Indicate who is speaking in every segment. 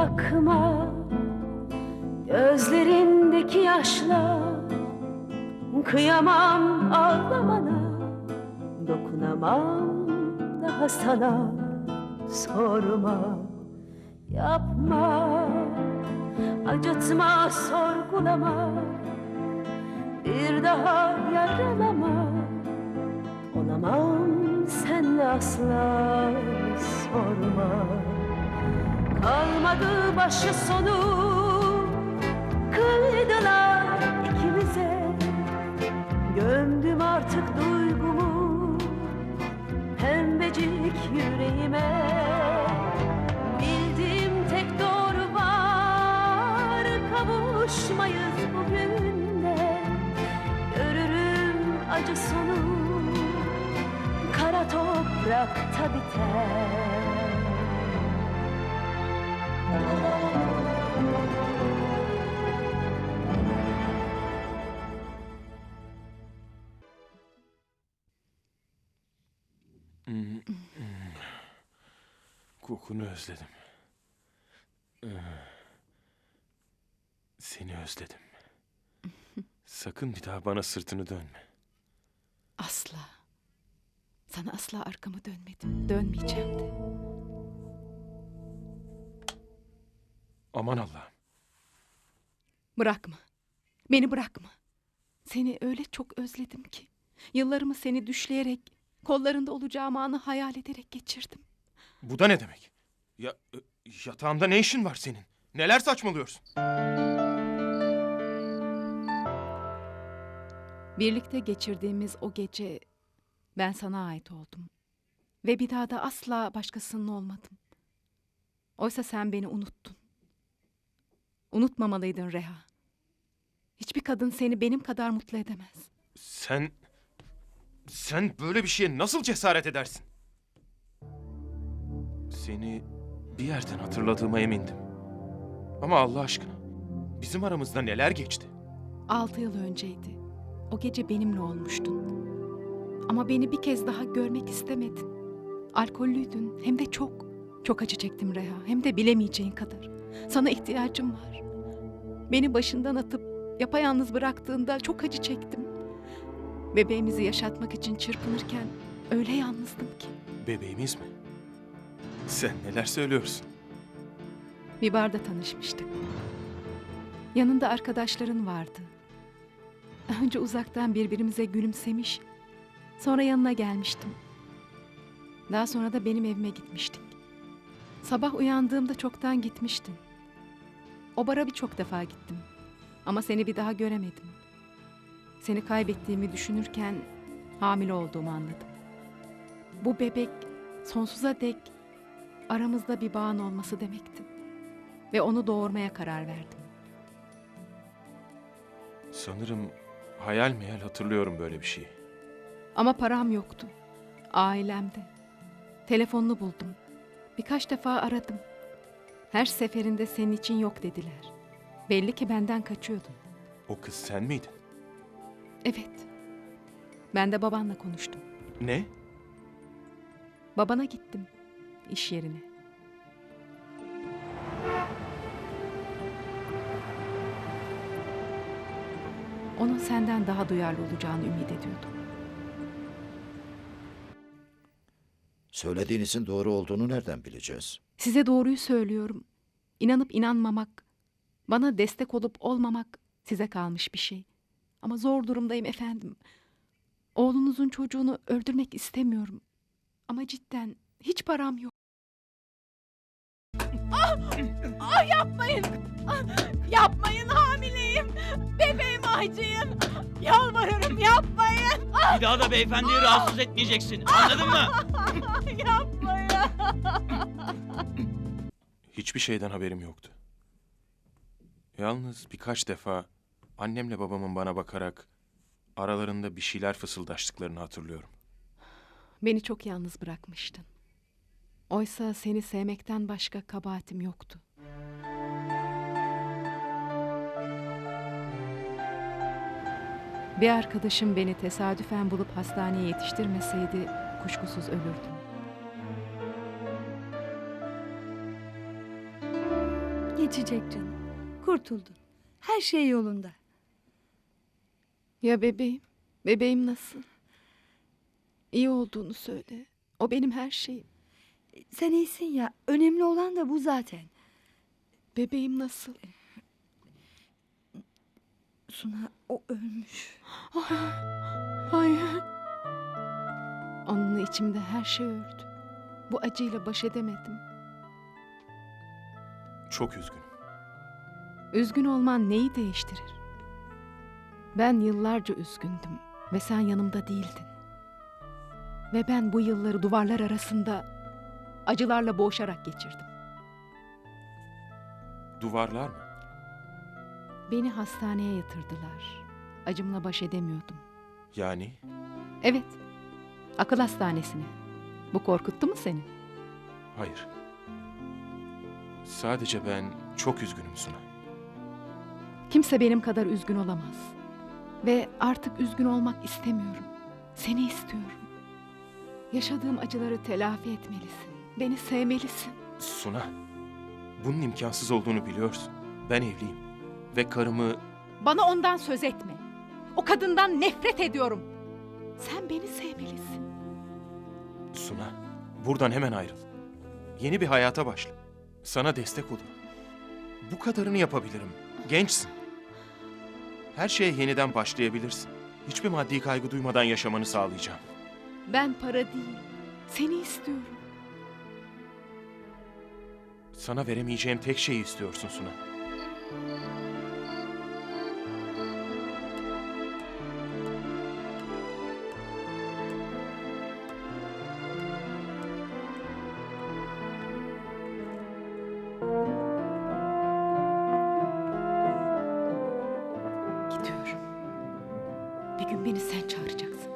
Speaker 1: bakma gözlerindeki yaşla. Kıyamam ağlamana, dokunamam daha sana. Sorma, yapma, acıtma, sorgulama, bir daha yaralama. Olamam senle asla, sorma. Kalmadı başı sonu, kıydılar ikimize. Gömdüm artık duygumu pembecik yüreğime. Bildiğim tek doğru var, kavuşmayız bugün de. Görürüm acı sonu, kara toprakta biter.
Speaker 2: Kokunu özledim. Seni özledim. Sakın bir daha bana sırtını dönme.
Speaker 3: Asla. Sana asla arkamı dönmedim. Dönmeyeceğim de.
Speaker 2: Aman Allah'ım.
Speaker 3: Bırakma. Beni bırakma. Seni öyle çok özledim ki. Yıllarımı seni düşleyerek, kollarında olacağım anı hayal ederek geçirdim.
Speaker 2: Bu da ne demek? Ya yatağımda ne işin var senin? Neler saçmalıyorsun?
Speaker 3: Birlikte geçirdiğimiz o gece ben sana ait oldum. Ve bir daha da asla başkasının olmadım. Oysa sen beni unuttun. Unutmamalıydın Reha. Hiçbir kadın seni benim kadar mutlu edemez.
Speaker 2: Sen böyle bir şeye nasıl cesaret edersin? Seni bir yerden hatırladığıma emindim. Ama Allah aşkına, bizim aramızda neler geçti?
Speaker 3: 6 yıl önceydi. O gece benimle olmuştun. Ama beni bir kez daha görmek istemedin. Alkollüydün, hem de çok. Çok acı çektim Reha, hem de bilemeyeceğin kadar. Sana ihtiyacım var. Beni başından atıp yapayalnız bıraktığında çok acı çektim. Bebeğimizi yaşatmak için çırpınırken öyle yalnızdım ki.
Speaker 2: Bebeğimiz mi? Sen neler söylüyorsun?
Speaker 3: Bir barda tanışmıştık. Yanında arkadaşların vardı. Önce uzaktan birbirimize gülümsemiş, sonra yanına gelmiştim. Daha sonra da benim evime gitmiştik. Sabah uyandığımda çoktan gitmiştin. O bara birçok defa gittim. Ama seni bir daha göremedim. Seni kaybettiğimi düşünürken hamile olduğumu anladım. Bu bebek sonsuza dek aramızda bir bağın olması demekti. Ve onu doğurmaya karar verdim.
Speaker 2: Sanırım hayal meyal hatırlıyorum böyle bir şeyi.
Speaker 3: Ama param yoktu. Ailemde. Telefonunu buldum. Birkaç defa aradım. Her seferinde senin için yok dediler. Belli ki benden kaçıyordun.
Speaker 2: O kız sen miydin?
Speaker 3: Evet. Ben de babanla konuştum.
Speaker 2: Ne?
Speaker 3: Babana gittim. İş yerine. Onun senden daha duyarlı olacağını ümit ediyordum.
Speaker 4: Söylediğinizin doğru olduğunu nereden bileceğiz?
Speaker 3: Size doğruyu söylüyorum. İnanıp inanmamak, bana destek olup olmamak size kalmış bir şey. Ama zor durumdayım efendim. Oğlunuzun çocuğunu öldürmek istemiyorum. Ama cidden hiç param yok. Yapmayın! Yapmayın, hamileyim! Bebeğim acıyım! Yalvarırım, yapmayın!
Speaker 5: Bir daha da beyefendiyi rahatsız etmeyeceksin. Anladın mı?
Speaker 3: Yapmayın!
Speaker 2: Hiçbir şeyden haberim yoktu. Yalnız birkaç defa annemle babamın bana bakarak aralarında bir şeyler fısıldaştıklarını hatırlıyorum.
Speaker 3: Beni çok yalnız bırakmıştın. Oysa seni sevmekten başka kabahatim yoktu. Bir arkadaşım beni tesadüfen bulup hastaneye yetiştirmeseydi kuşkusuz ölürdüm.
Speaker 6: Geçecek canım. Kurtuldun. Her şey yolunda.
Speaker 3: Ya bebeğim? Bebeğim nasıl? İyi olduğunu söyle. O benim her şeyim.
Speaker 6: Sen iyisin ya. Önemli olan da bu zaten.
Speaker 3: Bebeğim nasıl?
Speaker 6: Suna o ölmüş.
Speaker 3: Hayır. Onunla içimde her şey öldü. Bu acıyla baş edemedim.
Speaker 2: Çok üzgünüm.
Speaker 3: Üzgün olman neyi değiştirir? Ben yıllarca üzgündüm ve sen yanımda değildin. Ve ben bu yılları duvarlar arasında acılarla boğuşarak geçirdim.
Speaker 2: Duvarlar mı?
Speaker 3: Beni hastaneye yatırdılar. Acımla baş edemiyordum.
Speaker 2: Yani
Speaker 3: Evet, akıl hastanesine. Bu korkuttu mu seni?
Speaker 2: hayır. Sadece ben çok üzgünüm Suna.
Speaker 3: Kimse benim kadar üzgün olamaz. Ve artık üzgün olmak istemiyorum. Seni istiyorum. Yaşadığım acıları telafi etmelisin. Beni sevmelisin.
Speaker 2: Suna, bunun imkansız olduğunu biliyorsun. Ben evliyim ve karımı
Speaker 3: Bana ondan söz etme. O kadından nefret ediyorum. Sen beni sevmelisin.
Speaker 2: Suna, buradan hemen ayrıl. Yeni bir hayata başla. Sana destek olurum. Bu kadarını yapabilirim. Gençsin. Her şeye yeniden başlayabilirsin. Hiçbir maddi kaygı duymadan yaşamanı sağlayacağım.
Speaker 3: Ben para değil, seni istiyorum.
Speaker 2: Sana veremeyeceğim tek şeyi istiyorsun Suna.
Speaker 3: Gidiyorum. Bir gün beni sen çağıracaksın.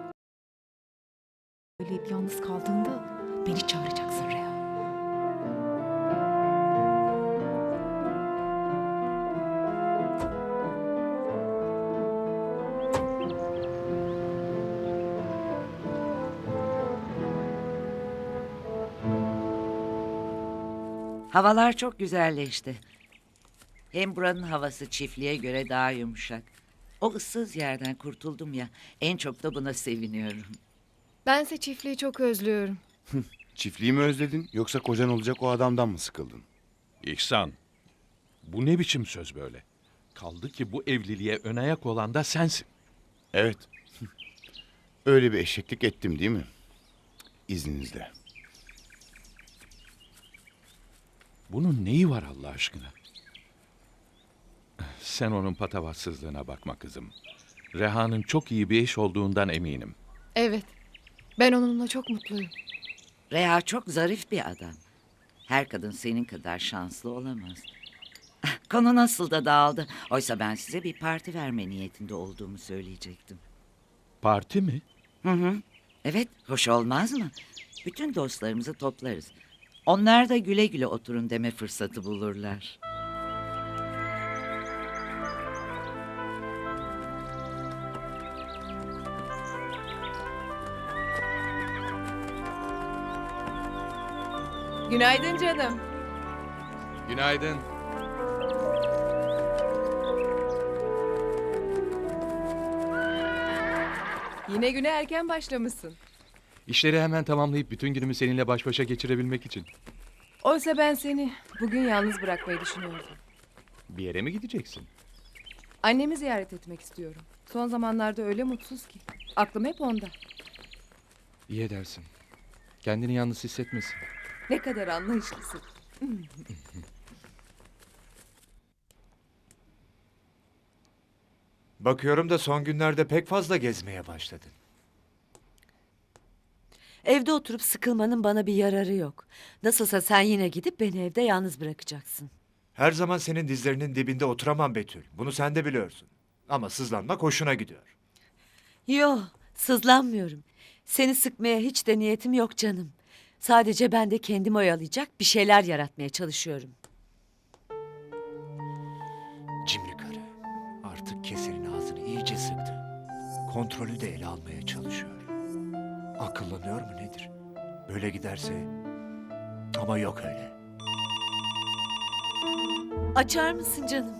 Speaker 3: Söyleyip yalnız kaldığında beni çağıracaksın Reha.
Speaker 7: Havalar çok güzelleşti. Hem buranın havası çiftliğe göre daha yumuşak. O ıssız yerden kurtuldum ya. En çok da buna seviniyorum.
Speaker 8: Bense çiftliği çok özlüyorum.
Speaker 9: Çiftliği mi özledin yoksa kocan olacak o adamdan mı sıkıldın?
Speaker 10: İhsan, bu ne biçim söz böyle? Kaldı ki bu evliliğe ön ayak olan da sensin.
Speaker 9: Evet. Öyle bir eşeklik ettim değil mi? İzninizle.
Speaker 10: Bunun neyi var Allah aşkına? Sen onun patavatsızlığına bakma kızım. Reha'nın çok iyi bir eş olduğundan eminim.
Speaker 8: Evet, ben onunla çok mutluyum.
Speaker 7: Reha çok zarif bir adam. Her kadın senin kadar şanslı olamaz. Konu nasıl da dağıldı. Oysa ben size bir parti verme niyetinde olduğumu söyleyecektim.
Speaker 10: Parti mi?
Speaker 7: Hı hı. Evet, hoş olmaz mı? Bütün dostlarımızı toplarız. Onlar da güle güle oturun deme fırsatı bulurlar.
Speaker 8: Günaydın canım.
Speaker 10: Günaydın.
Speaker 8: Yine güne erken başlamışsın.
Speaker 11: İşleri hemen tamamlayıp bütün günümü seninle baş başa geçirebilmek için.
Speaker 8: Oysa ben seni bugün yalnız bırakmayı düşünüyordum.
Speaker 11: Bir yere mi gideceksin?
Speaker 8: Annemi ziyaret etmek istiyorum. Son zamanlarda öyle mutsuz ki. Aklım hep onda.
Speaker 11: İyi edersin. Kendini yalnız hissetmesin.
Speaker 8: Ne kadar anlayışlısın.
Speaker 12: Bakıyorum da son günlerde pek fazla gezmeye başladın.
Speaker 1: Evde oturup sıkılmanın bana bir yararı yok. Nasılsa sen yine gidip beni evde yalnız bırakacaksın.
Speaker 12: Her zaman senin dizlerinin dibinde oturamam Betül. Bunu sen de biliyorsun. Ama sızlanmak hoşuna gidiyor.
Speaker 1: Yo, sızlanmıyorum. Seni sıkmaya hiç de niyetim yok canım. Sadece ben de kendimi oyalayacak bir şeyler yaratmaya çalışıyorum.
Speaker 12: Cimri karı. Artık kesenin ağzını iyice sıktı. Kontrolü de ele almaya çalışıyor. Akıllanıyor mu nedir? Böyle giderse... Ama yok öyle.
Speaker 1: Açar mısın canım?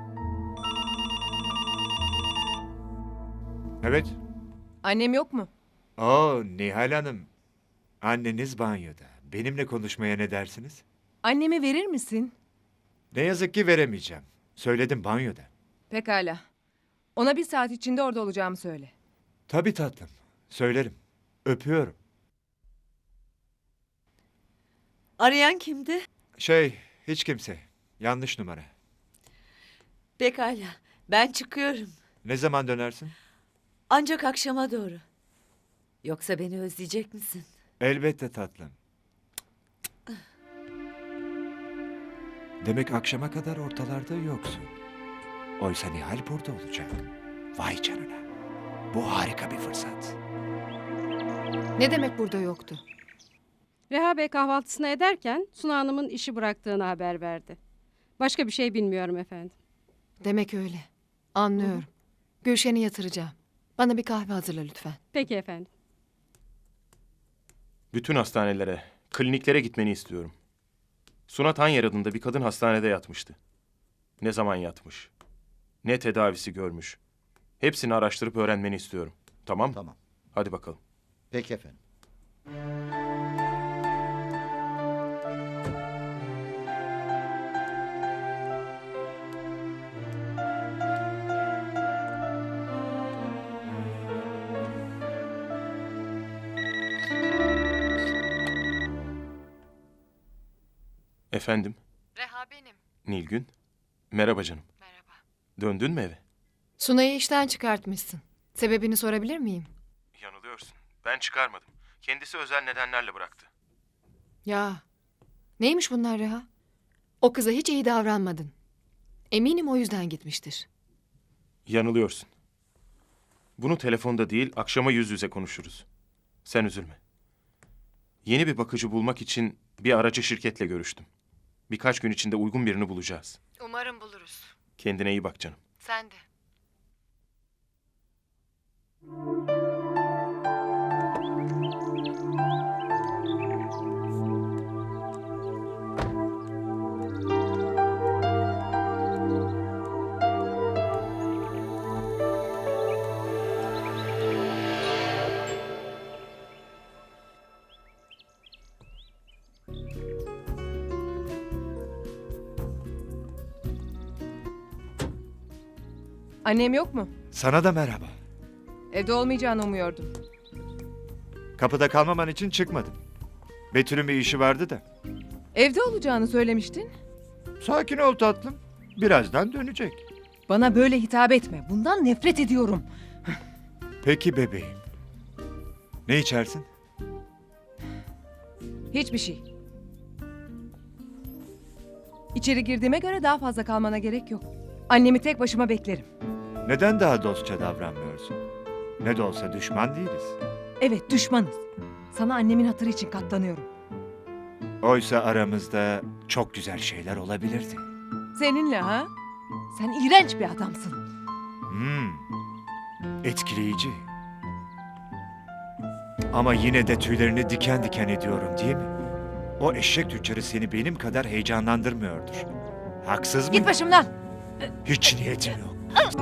Speaker 12: Evet.
Speaker 8: Annem yok mu?
Speaker 12: Oo, Nihal Hanım. Anneniz banyoda. Benimle konuşmaya ne dersiniz?
Speaker 8: Annemi verir misin?
Speaker 12: Ne yazık ki veremeyeceğim. Söyledim, banyoda.
Speaker 8: Pekala. Ona bir saat içinde orada olacağımı söyle.
Speaker 12: Tabii tatlım. Söylerim. Öpüyorum.
Speaker 1: Arayan kimdi?
Speaker 12: Hiç kimse. Yanlış numara.
Speaker 1: Pekala. Ben çıkıyorum.
Speaker 12: Ne zaman dönersin?
Speaker 1: Ancak akşama doğru. Yoksa beni özleyecek misin?
Speaker 12: Elbette tatlım. Demek akşama kadar ortalarda yoksun. Oysa Nihal burada olacak. Vay canına. Bu harika bir fırsat.
Speaker 8: Ne demek burada yoktu?
Speaker 13: Reha Bey kahvaltısını ederken Suna Hanım'ın işi bıraktığını haber verdi. Başka bir şey bilmiyorum efendim.
Speaker 8: Demek öyle. Anlıyorum. Gülşen'i yatıracağım. Bana bir kahve hazırla lütfen.
Speaker 13: Peki efendim.
Speaker 2: Bütün hastanelere, kliniklere gitmeni istiyorum. Suna Tanyer adında bir kadın hastanede yatmıştı. Ne zaman yatmış? Ne tedavisi görmüş? Hepsini araştırıp öğrenmeni istiyorum. Tamam mı?
Speaker 4: Tamam.
Speaker 2: Hadi bakalım.
Speaker 4: Peki efendim.
Speaker 2: Efendim?
Speaker 8: Reha benim.
Speaker 2: Nilgün? Merhaba canım.
Speaker 8: Merhaba.
Speaker 2: Döndün mü eve?
Speaker 8: Sunay'ı işten çıkartmışsın. Sebebini sorabilir miyim?
Speaker 2: Yanılıyorsun. Ben çıkarmadım. Kendisi özel nedenlerle bıraktı.
Speaker 8: Ya. Neymiş bunlar Reha? O kıza hiç iyi davranmadın. Eminim o yüzden gitmiştir.
Speaker 2: Yanılıyorsun. Bunu telefonda değil, akşama yüz yüze konuşuruz. Sen üzülme. Yeni bir bakıcı bulmak için bir aracı şirketle görüştüm. Birkaç gün içinde uygun birini bulacağız.
Speaker 8: Umarım buluruz.
Speaker 2: Kendine iyi bak canım.
Speaker 8: Sen de. Annem yok mu?
Speaker 12: Sana da merhaba.
Speaker 8: Evde olmayacağını umuyordum.
Speaker 12: Kapıda kalmaman için çıkmadım. Betül'ün bir işi vardı da.
Speaker 8: Evde olacağını söylemiştin.
Speaker 12: Sakin ol tatlım. Birazdan dönecek.
Speaker 8: Bana böyle hitap etme. Bundan nefret ediyorum.
Speaker 12: Peki bebeğim. Ne içersin?
Speaker 8: Hiçbir şey. İçeri girdiğime göre daha fazla kalmana gerek yok. Annemi tek başıma beklerim.
Speaker 12: Neden daha dostça davranmıyorsun? Ne de olsa düşman değiliz.
Speaker 8: Evet, düşmanız. Sana annemin hatırı için katlanıyorum.
Speaker 12: Oysa aramızda çok güzel şeyler olabilirdi.
Speaker 8: Seninle ha? Sen iğrenç bir adamsın.
Speaker 12: Etkileyici. Ama yine de tüylerini diken diken ediyorum değil mi? O eşek tüccarı seni benim kadar heyecanlandırmıyordur. Haksız mıyım?
Speaker 8: Git başımdan.
Speaker 12: Hiç niyetim yok.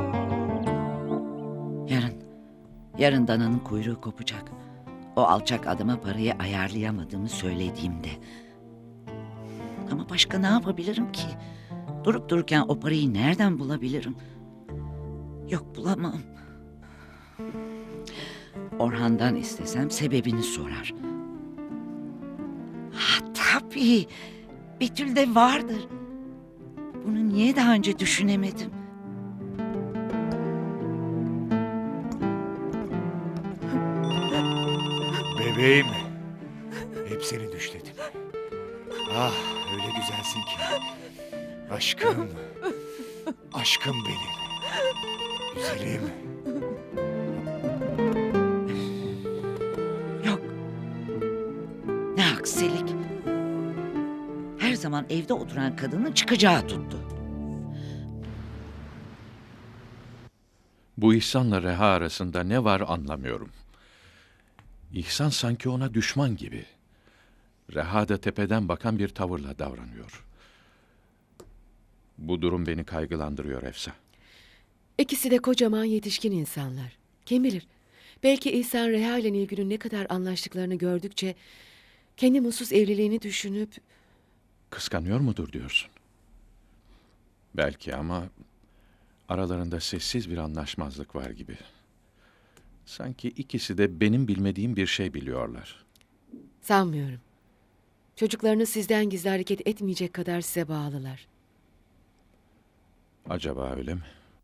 Speaker 7: Yarın dananın kuyruğu kopacak. O alçak adama parayı ayarlayamadığımı söylediğimde. Ama başka ne yapabilirim ki? Durup dururken o parayı nereden bulabilirim? Yok, bulamam. Orhan'dan istesem sebebini sorar. Ha, tabii. Betül'de vardır. Bunu niye daha önce düşünemedim?
Speaker 12: Bebeğim. Hep seni düşledim. Ah, öyle güzelsin ki. Aşkım. Aşkım benim. Güzelim.
Speaker 7: Yok. Ne aksilik. Her zaman evde oturan kadının çıkacağı tuttu.
Speaker 10: Bu İhsan'la Reha arasında ne var anlamıyorum. İhsan sanki ona düşman gibi. Reha da tepeden bakan bir tavırla davranıyor. Bu durum beni kaygılandırıyor Efsa.
Speaker 14: İkisi de kocaman yetişkin insanlar. Kim bilir? Belki İhsan Reha ile Nilgün'ün ne kadar anlaştıklarını gördükçe kendi mutsuz evliliğini düşünüp
Speaker 10: Kıskanıyor mudur diyorsun? Belki ama aralarında sessiz bir anlaşmazlık var gibi. Sanki ikisi de benim bilmediğim bir şey biliyorlar.
Speaker 14: sanmıyorum. Çocuklarını sizden gizli hareket etmeyecek kadar size bağlılar.
Speaker 10: Acaba öyle mi?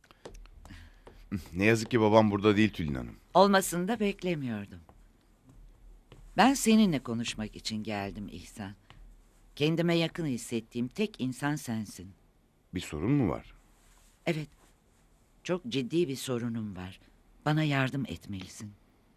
Speaker 9: Ne yazık ki babam burada değil Tülin Hanım.
Speaker 7: Olmasını da beklemiyordum. Ben seninle konuşmak için geldim İhsan. Kendime yakın hissettiğim tek insan sensin.
Speaker 9: Bir sorun mu var?
Speaker 7: Evet, çok ciddi bir sorunum var. Bana yardım etmelisin.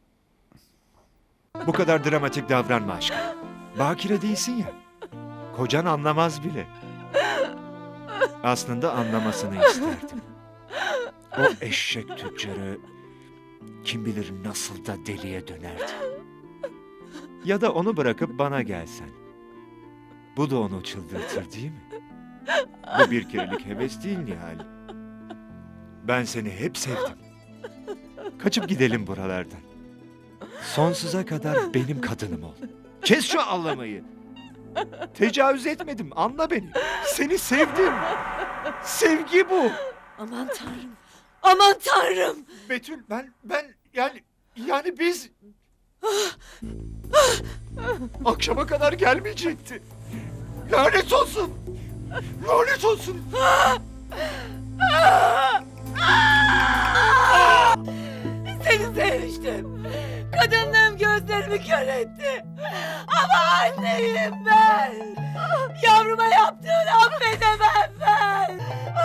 Speaker 12: Bu kadar dramatik davranma aşkım. Bakire değilsin ya. Kocan anlamaz bile. Aslında anlamasını isterdim. O eşek tüccarı kim bilir nasıl da deliye dönerdi. Ya da onu bırakıp bana gelsen. Bu da onu çıldırtır değil mi? Bu bir kerelik heves değil Nihal. Ben seni hep sevdim. Kaçıp gidelim buralardan. Sonsuza kadar benim kadınım ol. Kes şu ağlamayı. Tecavüz etmedim, anla beni. Seni sevdim. Sevgi bu.
Speaker 1: Aman tanrım. Aman tanrım.
Speaker 12: Betül ben yani biz akşama kadar gelmeyecekti. Lanet olsun. Lanet olsun.
Speaker 1: Seni sevmiştim. Kadınlığım gözlerimi kör etti. Ama anneyim ben. Yavruma yaptığını affedemem ben.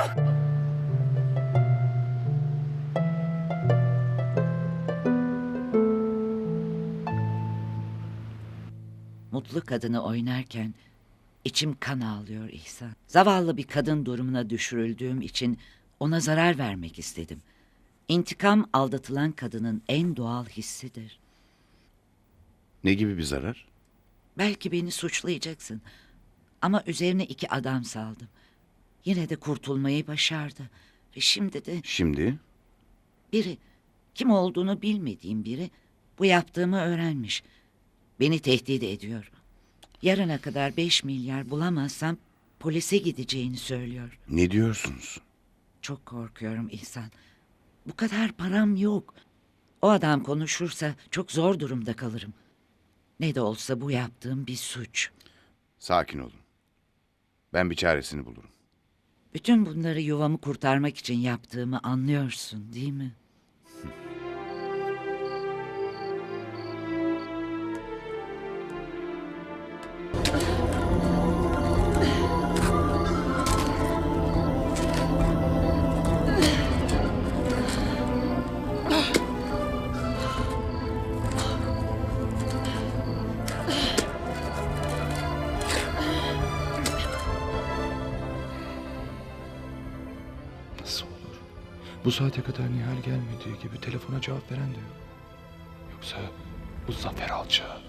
Speaker 7: Mutlu kadını oynarken içim kan ağlıyor İhsan. Zavallı bir kadın durumuna düşürüldüğüm için ona zarar vermek istedim. İntikam aldatılan kadının en doğal hissidir.
Speaker 9: Ne gibi bir zarar?
Speaker 7: Belki beni suçlayacaksın. Ama üzerine 2 adam saldım. Yine de kurtulmayı başardı. Ve şimdi de
Speaker 9: Şimdi?
Speaker 7: biri, kim olduğunu bilmediğim biri bu yaptığımı öğrenmiş. Beni tehdit ediyor. Yarına kadar 5 milyar bulamazsam polise gideceğini söylüyor.
Speaker 9: Ne diyorsunuz?
Speaker 7: Çok korkuyorum İhsan. Bu kadar param yok. O adam konuşursa çok zor durumda kalırım. Ne de olsa bu yaptığım bir suç.
Speaker 9: Sakin olun. Ben bir çaresini bulurum.
Speaker 7: Bütün bunları yuvamı kurtarmak için yaptığımı anlıyorsun, değil mi?
Speaker 11: Nasıl olur? Bu saate kadar Nihal gelmediği gibi telefona cevap veren de yok. Yoksa bu Zafer alçağı.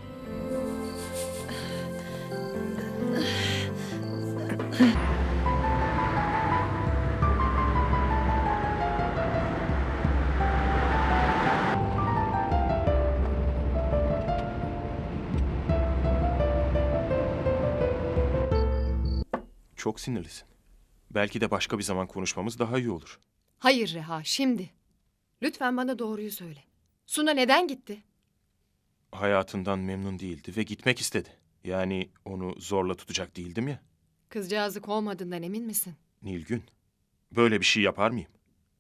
Speaker 2: Çok sinirlisin. Belki de başka bir zaman konuşmamız daha iyi olur.
Speaker 8: Hayır Reha, şimdi. Lütfen bana doğruyu söyle. Suna neden gitti?
Speaker 2: Hayatından memnun değildi ve gitmek istedi. Yani onu zorla tutacak değildim ya.
Speaker 8: Kızcağızı kovmadığından emin misin?
Speaker 2: Nilgün, böyle bir şey yapar mıyım?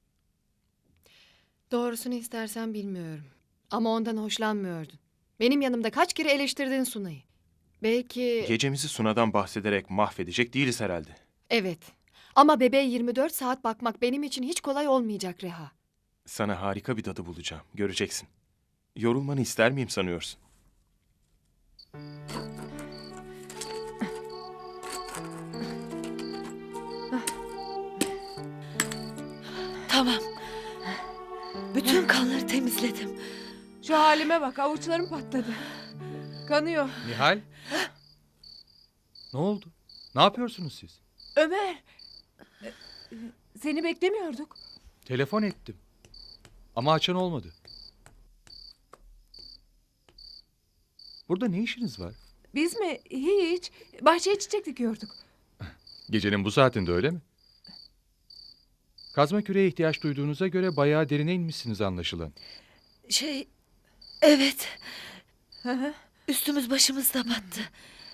Speaker 8: Doğrusunu istersen bilmiyorum. Ama ondan hoşlanmıyordun. Benim yanımda kaç kere eleştirdin Suna'yı. Belki...
Speaker 2: Gecemizi Suna'dan bahsederek mahvedecek değiliz herhalde.
Speaker 8: Evet. Ama bebeğe 24 saat bakmak benim için hiç kolay olmayacak Reha.
Speaker 2: Sana harika bir dadı bulacağım, göreceksin. Yorulmanı ister miyim sanıyorsun?
Speaker 1: Tamam. Bütün kanları temizledim.
Speaker 6: Şu halime bak, avuçlarım patladı. Kanıyor.
Speaker 11: Nihal? Ne oldu? Ne yapıyorsunuz siz?
Speaker 6: Ömer, Seni beklemiyorduk.
Speaker 11: Telefon ettim. Ama açan olmadı. Burada ne işiniz var?
Speaker 6: Biz mi? Hiç. Bahçeye çiçek dikiyorduk.
Speaker 11: Gecenin bu saatinde öyle mi? Kazma küreğe ihtiyaç duyduğunuza göre bayağı derine inmişsiniz anlaşılan.
Speaker 1: Evet.
Speaker 6: Hı hı.
Speaker 1: Üstümüz başımız da battı.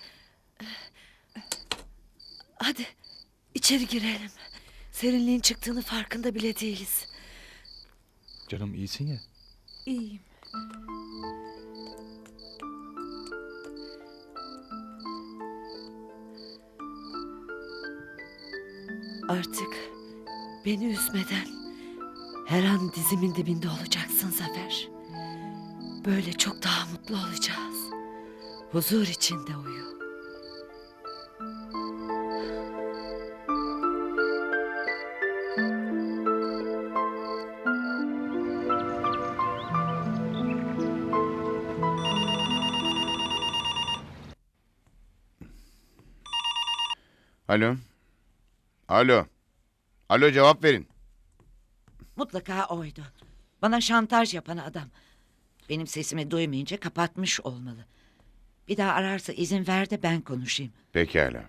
Speaker 1: Hadi içeri girelim. Serinliğin çıktığını farkında bile değiliz.
Speaker 11: Canım iyisin ya.
Speaker 6: İyiyim.
Speaker 1: Artık beni üzmeden her an dizimin dibinde olacaksın Zafer. Böyle çok daha mutlu olacağız. Huzur içinde uyu.
Speaker 9: Alo. Alo. Alo, cevap verin.
Speaker 7: Mutlaka oydu. Bana şantaj yapan adam. Benim sesimi duymayınca kapatmış olmalı. Bir daha ararsa izin ver de ben konuşayım.
Speaker 9: Pekala.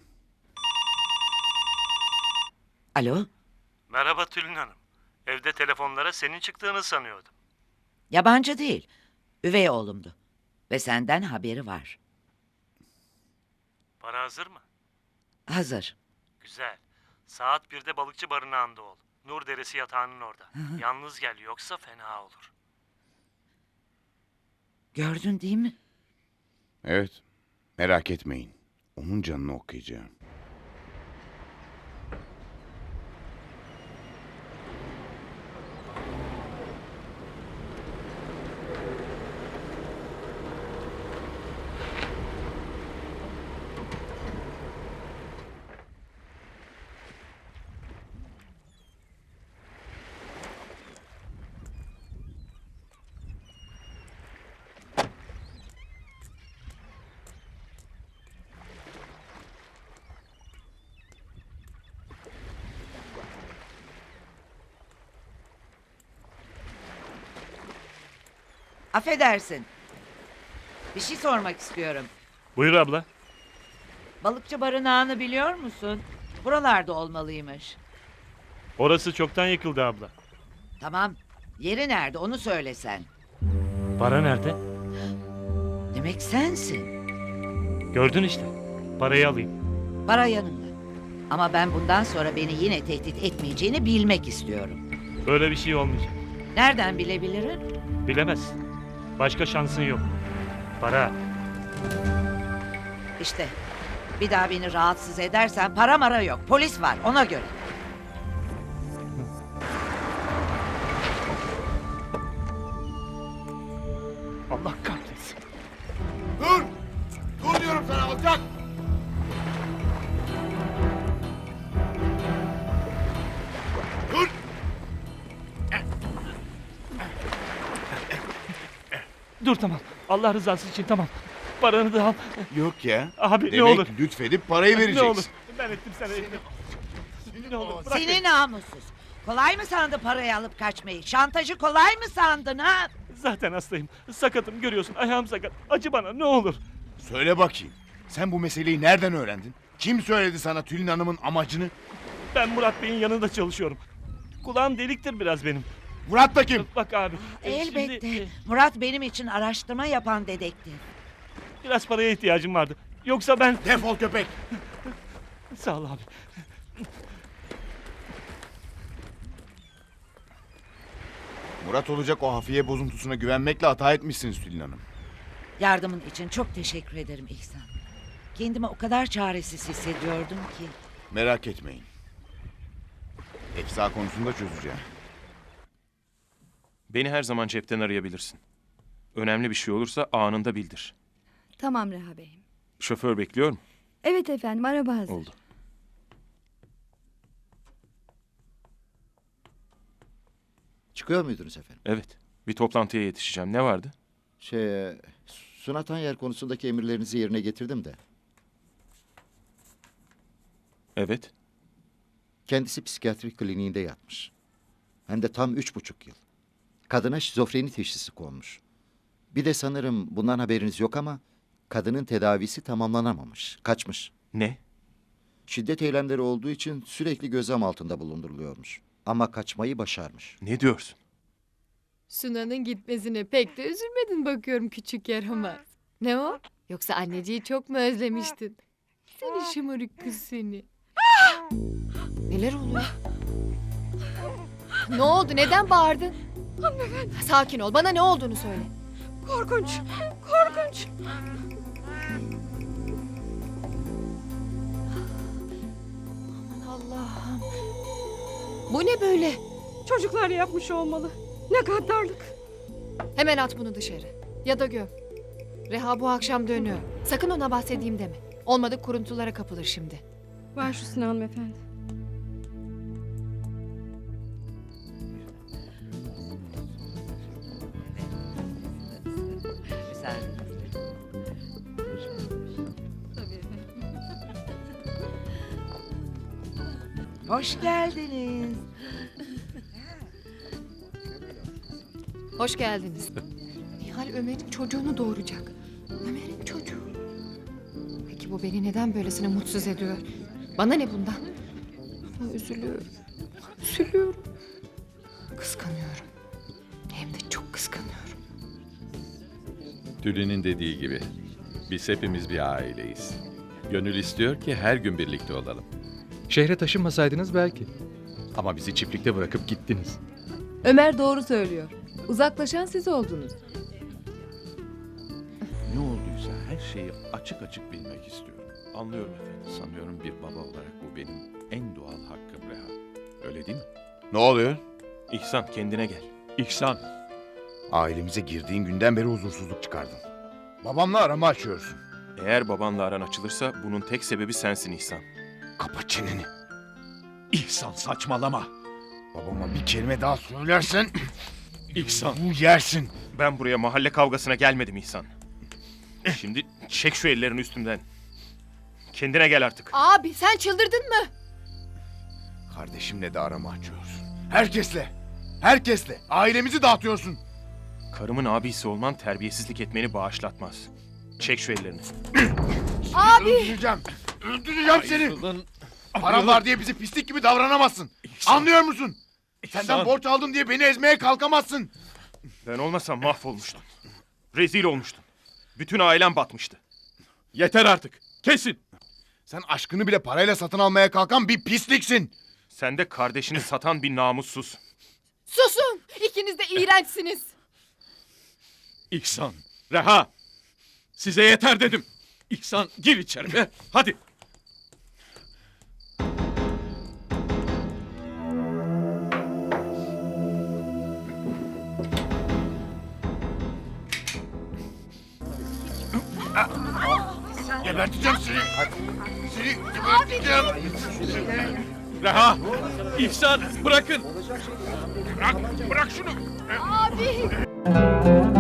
Speaker 7: Alo?
Speaker 5: Merhaba Tülin Hanım. Evde telefonlara senin çıktığını sanıyordum.
Speaker 7: Yabancı değil. Üvey oğlumdu. Ve senden haberi var.
Speaker 5: Para hazır mı?
Speaker 7: Hazır.
Speaker 5: Güzel. Saat 1'de balıkçı barınağında ol. Nur Deresi yatağının orada. Yalnız gel yoksa fena olur.
Speaker 7: Gördün değil mi?
Speaker 9: Evet. Merak etmeyin. Onun canını okuyacağım.
Speaker 7: Affedersin. Bir şey sormak istiyorum.
Speaker 5: Buyur abla.
Speaker 7: Balıkçı barınağını biliyor musun? Buralarda olmalıymış.
Speaker 5: Orası çoktan yıkıldı abla.
Speaker 7: Tamam. Yeri nerede onu söylesen.
Speaker 5: Para nerede?
Speaker 7: Demek sensin.
Speaker 5: Gördün işte. Parayı alayım.
Speaker 7: Para yanımda. Ama ben bundan sonra beni yine tehdit etmeyeceğini bilmek istiyorum.
Speaker 5: Böyle bir şey olmayacak.
Speaker 7: Nereden bilebilirim?
Speaker 5: Bilemezsin. Başka şansın yok. Para.
Speaker 7: İşte bir daha beni rahatsız edersen para mara yok. Polis var ona göre.
Speaker 5: Allah kahretsin.
Speaker 9: Dur! Dur diyorum sana, alçak! Dur!
Speaker 5: Dur tamam. Allah rızası için tamam. Paranı da al.
Speaker 9: Yok ya.
Speaker 5: Abi ne
Speaker 9: Demek
Speaker 5: olur.
Speaker 9: lütfedip parayı vereceksin.
Speaker 5: Ne olur. Ben ettim sana ettim. Ne olur bırak
Speaker 7: Seni
Speaker 5: beni.
Speaker 7: namussuz. Kolay mı sandı parayı alıp kaçmayı? Şantajı kolay mı sandın ha?
Speaker 5: Zaten hastayım. Sakatım görüyorsun. Ayağım sakat. Acı bana ne olur.
Speaker 9: Söyle bakayım. Sen bu meseleyi nereden öğrendin? Kim söyledi sana Tülin Hanım'ın amacını?
Speaker 5: Ben Murat Bey'in yanında çalışıyorum. Kulağım deliktir biraz benim.
Speaker 9: Murat da kim?
Speaker 5: Bak abi.
Speaker 7: Elbette.
Speaker 5: Şimdi,
Speaker 7: Murat benim için araştırma yapan dedektif.
Speaker 5: biraz paraya ihtiyacım vardı. Yoksa ben...
Speaker 9: Defol köpek!
Speaker 5: Sağ ol abi.
Speaker 9: Murat olacak o hafiye bozuntusuna güvenmekle hata etmişsiniz Tülin Hanım.
Speaker 7: Yardımın için çok teşekkür ederim İhsan. Kendimi o kadar çaresiz hissediyordum ki.
Speaker 9: Merak etmeyin. Efsa konusunda çözeceğim.
Speaker 2: Beni her zaman cepten arayabilirsin. Önemli bir şey olursa anında bildir.
Speaker 6: Tamam Reha Bey.
Speaker 2: Şoför bekliyor mu?
Speaker 6: Evet efendim, araba hazır.
Speaker 2: Oldu.
Speaker 4: Çıkıyor muydunuz efendim?
Speaker 2: Evet. Bir toplantıya yetişeceğim. Ne vardı?
Speaker 4: Suna Tanyer konusundaki emirlerinizi yerine getirdim de.
Speaker 2: Evet.
Speaker 4: Kendisi psikiyatri kliniğinde yatmış. Hem de tam 3,5 yıl. Kadına şizofreni teşhisi konmuş. Bir de sanırım bundan haberiniz yok ama kadının tedavisi tamamlanamamış, kaçmış.
Speaker 2: Ne?
Speaker 4: Şiddet eylemleri olduğu için sürekli gözlem altında bulunduruluyormuş. Ama kaçmayı başarmış.
Speaker 2: Ne diyorsun?
Speaker 8: Suna'nın gitmesine pek de üzülmedin bakıyorum küçük yaramaz. Ne o? Yoksa anneciği çok mu özlemiştin? Seni şımarık kız seni. Neler oluyor? Ne oldu? Neden bağırdın? Sakin ol. Bana ne olduğunu söyle.
Speaker 13: Korkunç, korkunç.
Speaker 8: Aman Allah'ım. Bu ne böyle?
Speaker 13: Çocuklar yapmış olmalı. Ne gaddarlık.
Speaker 8: Hemen at bunu dışarı. Ya da göm. Reha bu akşam dönüyor. Sakın ona bahsedeyim deme. Olmadık kuruntulara kapılır şimdi.
Speaker 13: Baş üstüne hanımefendi.
Speaker 7: Hoş geldiniz.
Speaker 8: Hoş geldiniz. Nihal Ömer'in çocuğunu doğuracak. Ömer'in çocuğu. Peki bu beni neden böylesine mutsuz ediyor? Bana ne bundan? Ama üzülüyorum. Üzülüyorum. Kıskanıyorum. Hem de çok kıskanıyorum.
Speaker 10: Tülin'in dediği gibi biz hepimiz bir aileyiz. Gönül istiyor ki her gün birlikte olalım.
Speaker 11: Şehre taşınmasaydınız belki. Ama bizi çiftlikte bırakıp gittiniz.
Speaker 6: Ömer doğru söylüyor. Uzaklaşan siz oldunuz.
Speaker 10: Ne olduysa her şeyi açık açık bilmek istiyorum.
Speaker 2: Anlıyorum efendim.
Speaker 10: Sanıyorum bir baba olarak bu benim en doğal hakkım Reha. Öyle değil mi?
Speaker 9: Ne oluyor?
Speaker 2: İhsan kendine gel.
Speaker 10: İhsan.
Speaker 9: Ailemize girdiğin günden beri huzursuzluk çıkardın. Babamla arama açıyorsun.
Speaker 2: Eğer babanla aran açılırsa bunun tek sebebi sensin İhsan.
Speaker 9: Kapa çeneni.
Speaker 10: İhsan saçmalama.
Speaker 9: Babama bir kelime daha söylersen
Speaker 10: İhsan.
Speaker 9: bu yersin.
Speaker 2: Ben buraya mahalle kavgasına gelmedim İhsan. Şimdi çek şu ellerini üstümden. Kendine gel artık.
Speaker 8: Abi sen çıldırdın mı?
Speaker 9: Kardeşimle de arama açıyorsun. Herkesle. Herkesle. Ailemizi dağıtıyorsun.
Speaker 2: Karımın abisi olman terbiyesizlik etmeni bağışlatmaz. Çek şu ellerini.
Speaker 8: Abi!
Speaker 9: Öldüreceğim. Öldüreceğim seni. Param var diye bize pislik gibi davranamazsın. Anlıyor musun? Senden borç aldım diye beni ezmeye kalkamazsın.
Speaker 2: Ben olmasam mahvolmuştum. Rezil olmuştum. Bütün ailem batmıştı.
Speaker 10: Yeter artık. Kesin.
Speaker 9: Sen aşkını bile parayla satın almaya kalkan bir pisliksin.
Speaker 2: Sen de kardeşini satan bir namussuz.
Speaker 8: Susun! İkiniz de iğrençsiniz.
Speaker 10: İhsan. Reha. Size yeter dedim. İhsan gir içeri be. Hadi.
Speaker 9: Geberteceğim seni. Seni geberteceğim.
Speaker 10: Reha. İhsan bırakın.
Speaker 9: Bırak şunu.
Speaker 8: Abi!